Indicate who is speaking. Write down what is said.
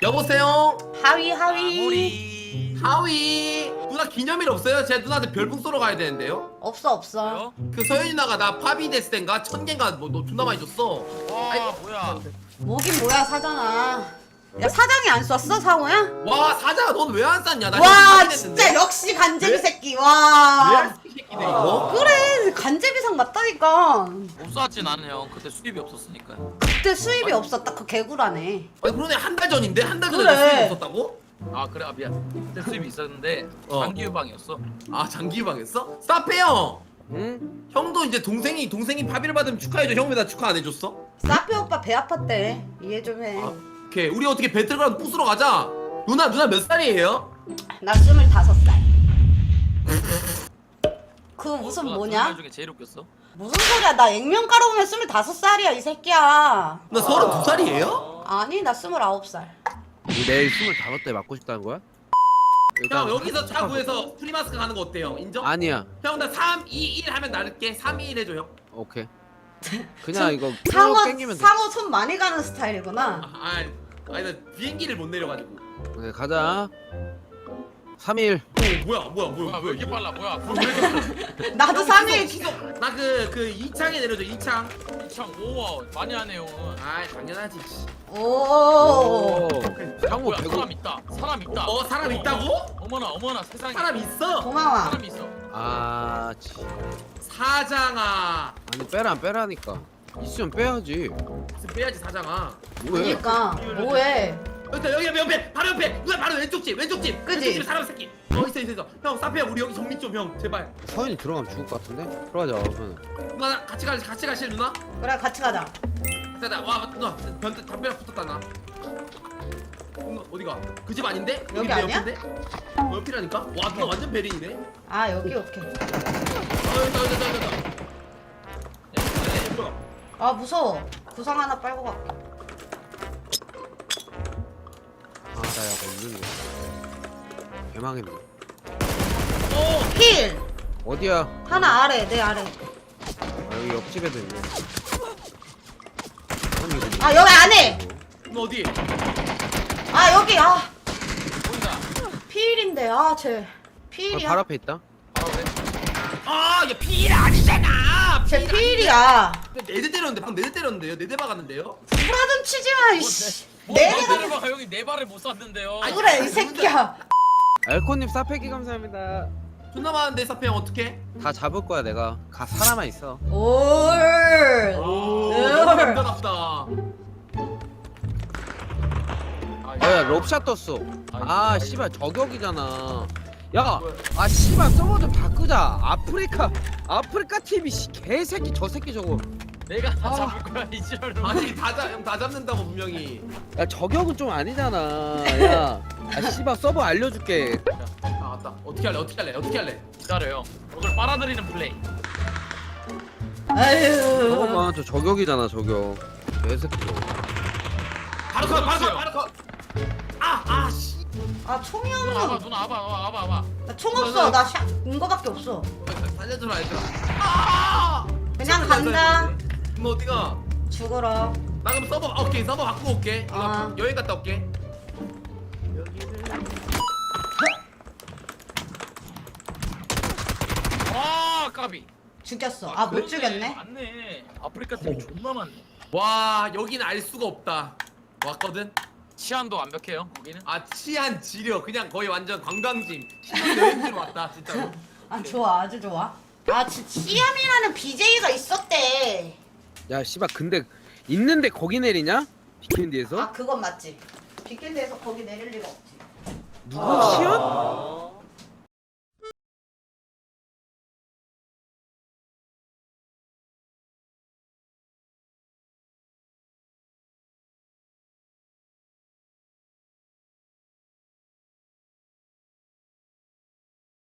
Speaker 1: 여보세요?
Speaker 2: 하위
Speaker 3: 우리
Speaker 1: 하위 누나 기념일 없어요? 제가 누나한테 별풍 쏘러 가야 되는데요?
Speaker 2: 없어.
Speaker 1: 그 서현이 누나가 나 파비 됐을 땐가 1000개인가 너 존나 많이 줬어.
Speaker 3: 와
Speaker 1: 아이,
Speaker 3: 뭐야
Speaker 2: 뭐긴 뭐야 사장아. 야 사장이 안 쐈어 상호야?
Speaker 1: 와 사자가 넌 왜 안 쌌냐? 나
Speaker 2: 와
Speaker 1: 이거
Speaker 2: 진짜 역시 간제비
Speaker 1: 왜?
Speaker 2: 새끼 와.
Speaker 1: 왜안 새끼네 이거?
Speaker 2: 그래 간제비상 맞다니까.
Speaker 3: 못 쐈지 나는 형 그때 수입이 없었으니까.
Speaker 2: 그때 수입이 없었다 그 개구라네.
Speaker 1: 아니 그러네 한 달 전인데? 한 달 전에
Speaker 2: 그래.
Speaker 1: 수입 없었다고?
Speaker 3: 아 그래 아 미안 그때 수입이 있었는데
Speaker 1: 어.
Speaker 3: 장기 유방이었어.
Speaker 1: 아 장기유방 했어? 사페 형!
Speaker 4: 응?
Speaker 1: 형도 이제 동생이 파비를 받으면 축하해줘. 형 왜 나 축하 안 해줬어?
Speaker 2: 사페 오빠 배 아팠대. 이해 좀 해.
Speaker 1: 아, 오케이 우리 어떻게 배틀그라운드 부스러 가자. 누나 몇 살이에요?
Speaker 2: 나 25살. 그 무슨
Speaker 3: 누가
Speaker 2: 뭐냐?
Speaker 3: 말 중에 제일 웃겼어?
Speaker 2: 무슨 소리야? 나 액면 깔아보면 25살이야 이 새끼야.
Speaker 1: 나 32살이에요?
Speaker 2: 아니 나 29살.
Speaker 4: 내일 25대 맞고 싶다는 거야?
Speaker 1: 형 여기서 차 구해서 프리마스크 가는 거 어때요? 인정?
Speaker 4: 아니야.
Speaker 1: 형 나 3, 2, 1 하면 나를게. 3, 2, 1 해줘 형.
Speaker 4: 오케이. 그냥 이거
Speaker 2: 상어
Speaker 4: 쭉 땡기면 돼.
Speaker 2: 상어 손 많이 가는 스타일이구나.
Speaker 1: 아니 나 비행기를 못 내려가지고.
Speaker 4: 네, 가자. 3일.
Speaker 1: 뭐야
Speaker 3: 왜 이렇게 빨라 뭐야?
Speaker 2: 나도 3일
Speaker 1: 나그 2창에 내려줘 2창.
Speaker 3: 참 오와 많이 하네요.
Speaker 1: 아 당연하지.
Speaker 2: 오.
Speaker 4: 상호
Speaker 3: 뭐야
Speaker 4: 100.
Speaker 3: 사람 있다. 사람 있다.
Speaker 1: 사람 있다고?
Speaker 3: 어머나 세상에.
Speaker 1: 사람 있어.
Speaker 2: 고마워.
Speaker 3: 사람 있어.
Speaker 4: 아,
Speaker 1: 사장아.
Speaker 4: 아니 빼라니까. 있으면 빼야지.
Speaker 1: 빼야지 사장아.
Speaker 4: 뭐해?
Speaker 2: 그러니까 뭐해?
Speaker 1: 여기 옆에 바로 옆에 누나 바로 왼쪽 집
Speaker 2: 그지?
Speaker 1: 왼쪽 집에 사람 새끼. 있어. 형 사페야 우리 여기 정리 좀 형 제발.
Speaker 4: 서현이 들어가면 죽을 것 같은데? 들어가자. 그러면.
Speaker 1: 누나 같이 가실 누나?
Speaker 2: 그래 같이 가자.
Speaker 1: 자자 와 누나 담배랑 붙었다 나. 누나 어디가? 그 집 아닌데?
Speaker 2: 여기
Speaker 1: 내
Speaker 2: 아니야?
Speaker 1: 옆인데? 옆이라니까? 와 누나 완전 베린이네.
Speaker 2: 아 여기 오케이.
Speaker 1: 여기다.
Speaker 2: 아 무서워. 구상 하나 빨고 갈게.
Speaker 4: 아, 나 약간 있는 거. 개망했네.
Speaker 2: 힐
Speaker 4: 어디야?
Speaker 2: 하나 아래 내 아래.
Speaker 4: 아, 여기 옆집에도 있네.
Speaker 2: 아 여기 안에.
Speaker 1: 누나 어디?
Speaker 2: 아 여기 아
Speaker 3: 보인다.
Speaker 2: 필인데 아쟤 필이야.
Speaker 4: 발 앞에 있다.
Speaker 3: 바로 그래.
Speaker 1: 야 피일 아니잖아.
Speaker 2: 쟤 필이야.
Speaker 1: 네대 때렸는데 방금 네대 때렸는데요? 네대 박았는데요?
Speaker 2: 불화좀 치지마 이씨.
Speaker 3: 뭐,
Speaker 2: 내가
Speaker 3: 내려봐 형이 네 발을 못 쐈는데요.
Speaker 2: 그래 이 새끼야.
Speaker 4: 알코님 사패기 감사합니다.
Speaker 1: 존나 많은데 사페 형 어떡해?
Speaker 4: 다 잡을 거야 내가. 살아만 있어.
Speaker 2: 올.
Speaker 1: 너무 남자답다.
Speaker 4: 야, 럽샷 떴어. 아, 씨발 저격이잖아. 야, 아 씨발 서버 좀 바꾸자. 아프리카 TV 개새끼 저 새끼 저거.
Speaker 3: 내가 다 잡을 거야 이 지랄로.
Speaker 1: 아니 형 다 잡는다고 분명히.
Speaker 4: 야 저격은 좀 아니잖아. 야, 아 씨발 서버 알려줄게.
Speaker 1: 아 맞다. 어떻게 할래?
Speaker 3: 기다려요. 오늘 빨아들이는 플레이.
Speaker 2: 아유.
Speaker 4: 잠깐만 저 저격이잖아 저격. 개새끼.
Speaker 1: 바로 컷. 씨.
Speaker 2: 아 총이
Speaker 3: 누나 와봐
Speaker 2: 없어.
Speaker 3: 누나 와봐.
Speaker 2: 나 총 없어. 나 샷, 이거밖에 없어.
Speaker 1: 살려줘라 얘들아.
Speaker 2: 그냥 간다.
Speaker 1: 너 어디가?
Speaker 2: 죽어라.
Speaker 1: 나 그럼 서버 바꾸고 올게.
Speaker 2: 아.
Speaker 1: 여행 갔다 올게.
Speaker 3: 와 까비.
Speaker 2: 죽였어. 아 못 죽였네.
Speaker 3: 맞네. 아프리카 팀이 존나 많네.
Speaker 1: 와 여기는 알 수가 없다. 왔거든.
Speaker 3: 치안도 완벽해요 거기는.
Speaker 1: 아 치안 지려 그냥 거의 완전 관광지. 신혼여행지로 왔다 진짜로.
Speaker 2: 아 좋아 아주 좋아. 아 치암이라는 BJ가 있었대.
Speaker 4: 야 씨발 근데 있는데 거기 내리냐? 비켄디에서?
Speaker 2: 아 그건 맞지. 비켄드에서 거기 내릴 리가 없지.
Speaker 4: 누구 시연?